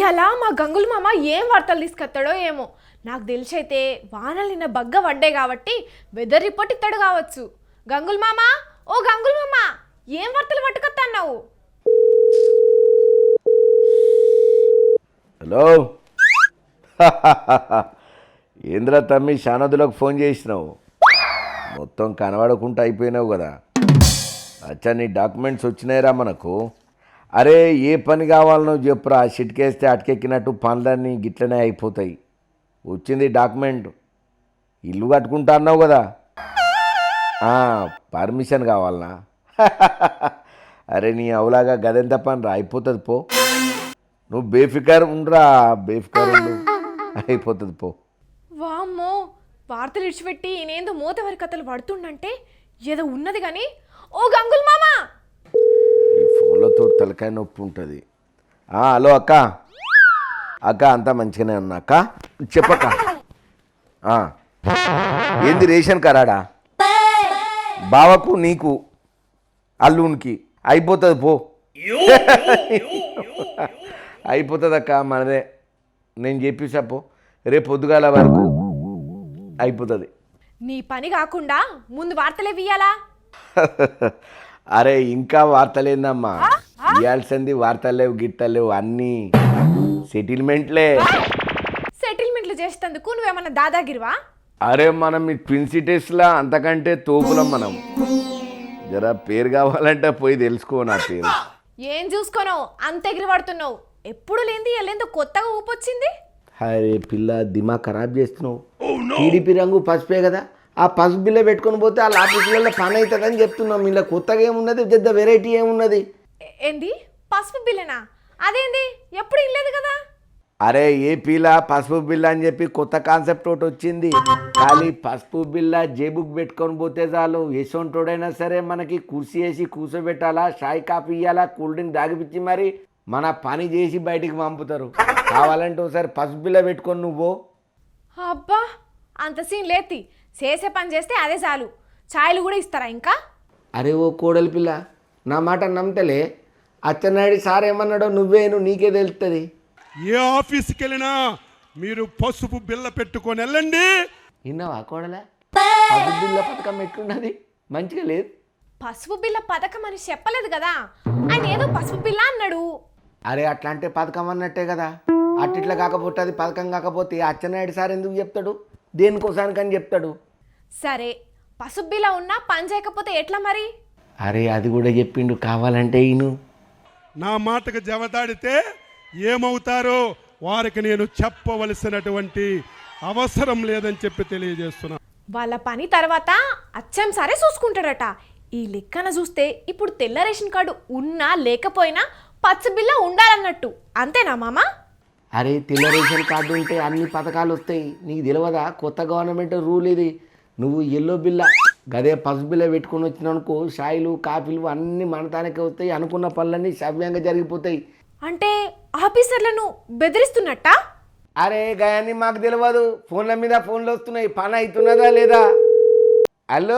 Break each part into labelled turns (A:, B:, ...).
A: ఇయాలా మా గంగుల మామ ఏం వార్తలు తీసుకొస్తాడో ఏమో. నాకు తెలిసైతే వానలు నిన్న బగ్గ పడ్డే కాబట్టి వెదర్ రిపోర్ట్ ఇస్తాడు కావచ్చు. గంగుల మామ, ఓ గంగుల మామ, ఏం వార్తలు పట్టుకొస్తాన్నావు?
B: హలో ఏంద్రా తమ్మి, శానదులకు ఫోన్ చేసినావు? మొత్తం కనబడకుండా అయిపోయినావు కదా. అచ్చా, నీ డాక్యుమెంట్స్ వచ్చినాయిరా మనకు. అరే, ఏ పని కావాలనో చెప్పురా, చిటికేస్తే అటకెక్కినట్టు పనులన్నీ గిట్లనే అయిపోతాయి. వచ్చింది డాక్యుమెంట్. ఇల్లు కట్టుకుంటా అన్నావు కదా, పర్మిషన్ కావాలనా? అరే, నీ అవులాగా గదెంత పని రా, అయిపోతుంది పో. నువ్వు బేఫికర్ ఉండరా, బేఫికర్ ఉండు, అయిపోతుంది పో.
A: వామ్మో, వార్తలు ఇడిచిపెట్టి నేనేందో మూతవరి కథలు పడుతుండంటే ఏదో ఉన్నది కానీ. ఓ గంగుల మామ,
B: ఈ ఫోన్లతో తలకాయ నొప్పి ఉంటుంది. హలో అక్క, అక్క అంతా మంచిగానే ఉన్నా అక్క, చెప్పక్క. ఏంది రేషన్ కరాడా? బావకు నీకు అల్లునికి అయిపోతుంది పో. అయిపోతుంది అక్క, మనదే. నేను చెప్పేసా పో, రేపు పొద్దుగాల వరకు అయిపోతుంది.
A: నీ పని కాకుండా ముందు వార్తలే వియ్యాలా?
B: అరే, ఇంకా వార్తలేందమ్మా, ఇవ్వాల్సింది వార్తలేవు గిట్టలేవు, అన్నీ సెటిల్మెంట్లే.
A: సెటిల్మెంట్లు చేసేందుకు నువ్వేమన్నా దాదాగిరివా?
B: అరే, మనం ఈ ట్విన్ సిటీస్లా అంతకంటే తోపులం మనం. జరా పేరు కావాలంటే పోయి తెలుసుకో నా పేరు.
A: ఏం చూసుకోను అంత ఎగిరి పడుతున్నావు. ఎప్పుడు లేంది ఎల్లేందో కొత్తగా ఊపొచ్చింది.
B: అరే పిల్ల, దిమాగ్ ఖరాబ్ చేస్తున్నావు. టీడీపీ రంగు పసుపే కదా, ఆ పసుపు బిల్ల పెట్టుకొని పోతే వాళ్ళ ఆఫీసులలో పని అవుతుందని చెప్తున్నాం. ఇలా కొత్తగా ఏమున్నది, పెద్ద వెరైటీ ఏమున్నది?
A: ఏంది పసుపు బిల్లనా? అదేంది, ఎప్పుడు ఇల్లేదు కదా.
B: అరే, ఏపీలా పసుపు బిల్ల అని చెప్పి కొత్త కాన్సెప్ట్ ఒకటి వచ్చింది. ఖాళీ పసుపు బిల్ల జేబుక్ పెట్టుకొని పోతే చాలు, ఎసొంటోడైనా సరే మనకి కుర్చీ వేసి కూర్చోబెట్టాలా, చాయ్ కాఫీ ఇవ్వాలా, కూల్ డ్రింక్ దాగిపిచ్చి మరి మన పని చేసి బయటికి పంపుతారు. కావాలంటే ఒకసారి పసుపు బిల్ల పెట్టుకొని నువ్వు.
A: అబ్బా, అంత సీన్ లేతి. చేసే పని చేస్తే అదే చాలు. ఛాయలు కూడా ఇస్తారా ఇంకా?
B: అరే ఓ కోడలి పిల్ల, నా మాట నమ్మతలే. అచ్చెన్నాయుడు సార్ ఏమన్నాడో నువ్వేను, నీకే తెలుస్తుంది.
C: ఏ ఆఫీస్కి వెళ్ళినా మీరు పసుపు బిల్ల పెట్టుకొని వెళ్ళండి.
B: విన్నావా కోడలా? పసుపు బిల్ల పథకం ఎట్లున్నది, మంచిగా లేదు?
A: పసుపు బిల్ల పథకం అని చెప్పలేదు కదా, ఆయన ఏదో పసుపు బిల్ల అన్నాడు.
B: అరే, అట్లా అంటే పథకం అన్నట్టే కదా. అట్టిట్లా కాకపోతే అది పథకం కాకపోతే అచ్చెన్నాయుడు సార్ ఎందుకు చెప్తాడు? దేనికోసానికని చెప్తాడు.
A: సరే, పసుపు బిల్ల ఉన్నా పని చేయకపోతే ఎట్లా మరి?
B: అరే, అది కూడా చెప్పిండు, కావాలంటే ఈయను.
C: నా మాటకు జవదాడితే ఏమవుతారో వారికి నేను చెప్పవలసినటువంటి అవసరం లేదని చెప్పి తెలియజేస్తున్నా.
A: వాళ్ళ పని తర్వాత అచ్చం సరే చూసుకుంటాడట. ఈ లెక్కన చూస్తే ఇప్పుడు తెల్ల రేషన్ కార్డు ఉన్నా లేకపోయినా పచ్చ బిల్ల ఉండాలన్నట్టు, అంతేనా మామ?
B: అరే, తెల్ల రేషన్ కార్డు ఉంటే అన్ని పథకాలు వస్తాయి. నీకు తెలియదా? కొత్త గవర్నమెంట్ రూల్ ఇది. నువ్వు ఎల్లో బిల్ల, గదే పసుపు బిల్ల పెట్టుకొని వచ్చినానుకో, షాయిలు కాఫీలు అన్నీ మనతానికే వస్తాయి. అనుకున్న పనులన్నీ సవ్యంగా జరిగిపోతాయి.
A: అంటే ఆఫీసర్లను బెదిరిస్తున్నట్ట?
B: అరే, గయాన్ని మాకు తెలియదు. ఫోన్ల మీద ఫోన్లు వస్తున్నాయి, పని అవుతున్నదా లేదా? హలో,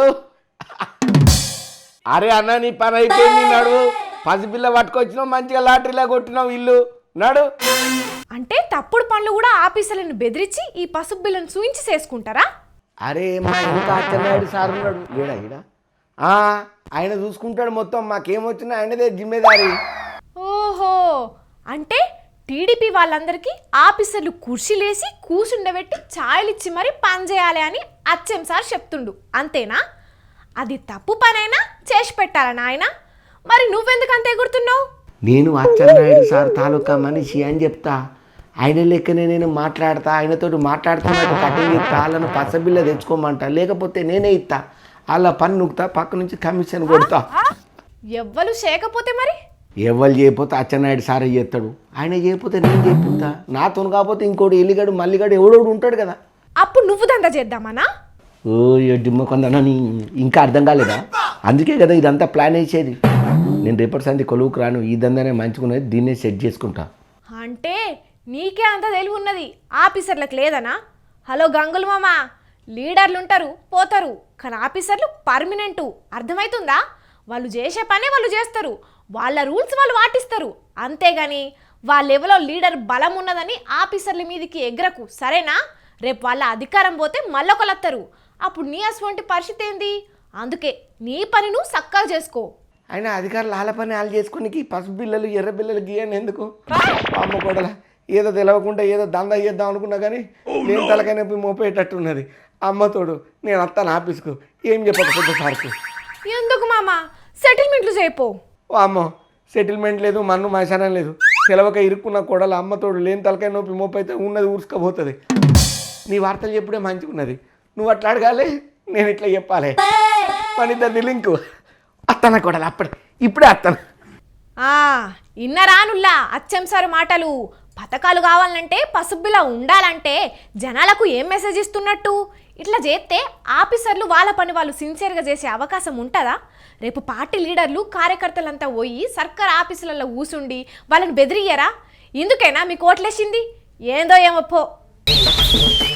B: అరే అన్న, నీ పని అయిపోయింది, నడు. పసిపిల్ల పట్టుకొచ్చినావు, మంచిగా లాటరీలా కొట్టినావు ఇల్లు, నడు.
A: అంటే తప్పుడు పనులు కూడా ఆఫీసర్లను బెదిరించి ఈ పసుపు బిల్లను చూయించి చేసుకుంటారా?
B: అరే, మా ఇంకా అచ్చెన్నాయుడు సార్ ఉన్నాడు లేడా ఈడ? ఆయన చూసుకుంటాడు మొత్తం, మాకేమొచ్చినా ఆయనదే జిమ్మేదారి.
A: ఓహో, అంటే టీడీపీ వాళ్ళందరికీ ఆఫీసర్లు కుర్చీలేసి కూర్చుండబెట్టి ఛాయలు ఇచ్చి మరి పని చేయాలి అని అచ్చెం సార్ చెప్తుండు, అంతేనా? అది తప్పు పనైనా చేసి పెట్టాలని ఆయన. మరి నువ్వెందుకు అంత ఎగురుతున్నావు?
B: నేను అచ్చెన్నాయుడు సార్ తాలూకా మనిషి అని చెప్తా. ఆయన లెక్కనే నేను మాట్లాడతా, ఆయనతో మాట్లాడుతున్నట్టు కటింగ్ ఇస్తా, వాళ్ళను పసబిల్ల తెచ్చుకోమంటా, లేకపోతే నేనే ఇస్తా. వాళ్ళ పని నుక్తా, పక్క నుంచి కమిషన్ కొడతా.
A: ఎవ్వరు చేయకపోతే మరి?
B: ఎవరు చేయకపోతే అచ్చెన్నాయుడు సారే చేస్తాడు, ఆయన చేయకపోతే నేను చేపిస్తా. నాతో కాకపోతే ఇంకోటి ఎల్లిగడు మల్లిగడు ఎవడోడు ఉంటాడు కదా.
A: అప్పుడు నువ్వు దందా చేద్దామనా?
B: ఓ డిమ్మ కొందని ఇంకా అర్థం కాలేదా? అందుకే కదా ఇదంతా ప్లాన్ వేసేది. నేను రేపటి సంది కొలువుకు రాను, ఈ దందానే మంచుకున్నది, దీన్నే సెట్ చేసుకుంటా.
A: అంటే నీకే అంత తెలివి ఉన్నది, ఆఫీసర్లకు లేదనా? హలో గంగుల మామ, లీడర్లు ఉంటారు పోతారు, కానీ ఆఫీసర్లు పర్మనెంటు, అర్థమవుతుందా? వాళ్ళు చేసే పనే వాళ్ళు చేస్తారు, వాళ్ళ రూల్స్ వాళ్ళు పాటిస్తారు. అంతేగాని వాళ్ళ లెవెల్లో లీడర్ బలం ఉన్నదని ఆఫీసర్ల మీదకి ఎగరకు సరేనా? రేపు వాళ్ళ అధికారం పోతే మళ్ళొకలత్తరు, అప్పుడు నీ అటువంటి పరిస్థితి ఏంది? అందుకే నీ పని నువ్వు చక్కగా చేసుకో.
D: అయినా అధికారులు వాళ్ళ పని వాళ్ళు చేసుకుని పసుపు బిల్లలు ఎర్ర బిల్లలు గీయని ఎందుకు? అమ్మ కొడల ఏదో తెలవకుండా ఏదో దందా చేద్దాం అనుకున్నా కానీ నేను తలకైనా మోపేటట్టున్నది. అమ్మతోడు నేను వస్తాను ఆఫీస్కు, ఏం చెప్పకపోతే సార్కు.
A: ఎందుకు మామ, సెటిల్మెంట్లు చేయపో.
D: ఓ అమ్మో, సెటిల్మెంట్ లేదు, మన్ను మశానం లేదు. తెలవక ఇరుక్కున్న కొడల అమ్మతోడు లేని తలకాయ నొప్పి మోపైతే ఉన్నది ఊరుసుకపోతుంది. నీ వార్తలు చెప్పుడే మంచిగా ఉన్నది. నువ్వు అట్లా అడగాలి, నేను ఇట్లా చెప్పాలి. మన ఇద్దరిది లింకు. అత్తన కొడలు ఇప్పుడే అత్తన.
A: ఇన్నరానుల్లా అచ్చం సార్ మాటలు. పథకాలు కావాలంటే పసుపులా ఉండాలంటే జనాలకు ఏం మెసేజ్ ఇస్తున్నట్టు? ఇట్లా చేస్తే ఆఫీసర్లు వాళ్ళ పని వాళ్ళు సిన్సియర్గా చేసే అవకాశం ఉంటుందా? రేపు పార్టీ లీడర్లు కార్యకర్తలంతా పోయి సర్కార్ ఆఫీసులలో కూసుండి వాళ్ళని బెదిరియరా? ఇందుకేనా మీకు ఓట్లేసింది? ఏందో ఏమో పో.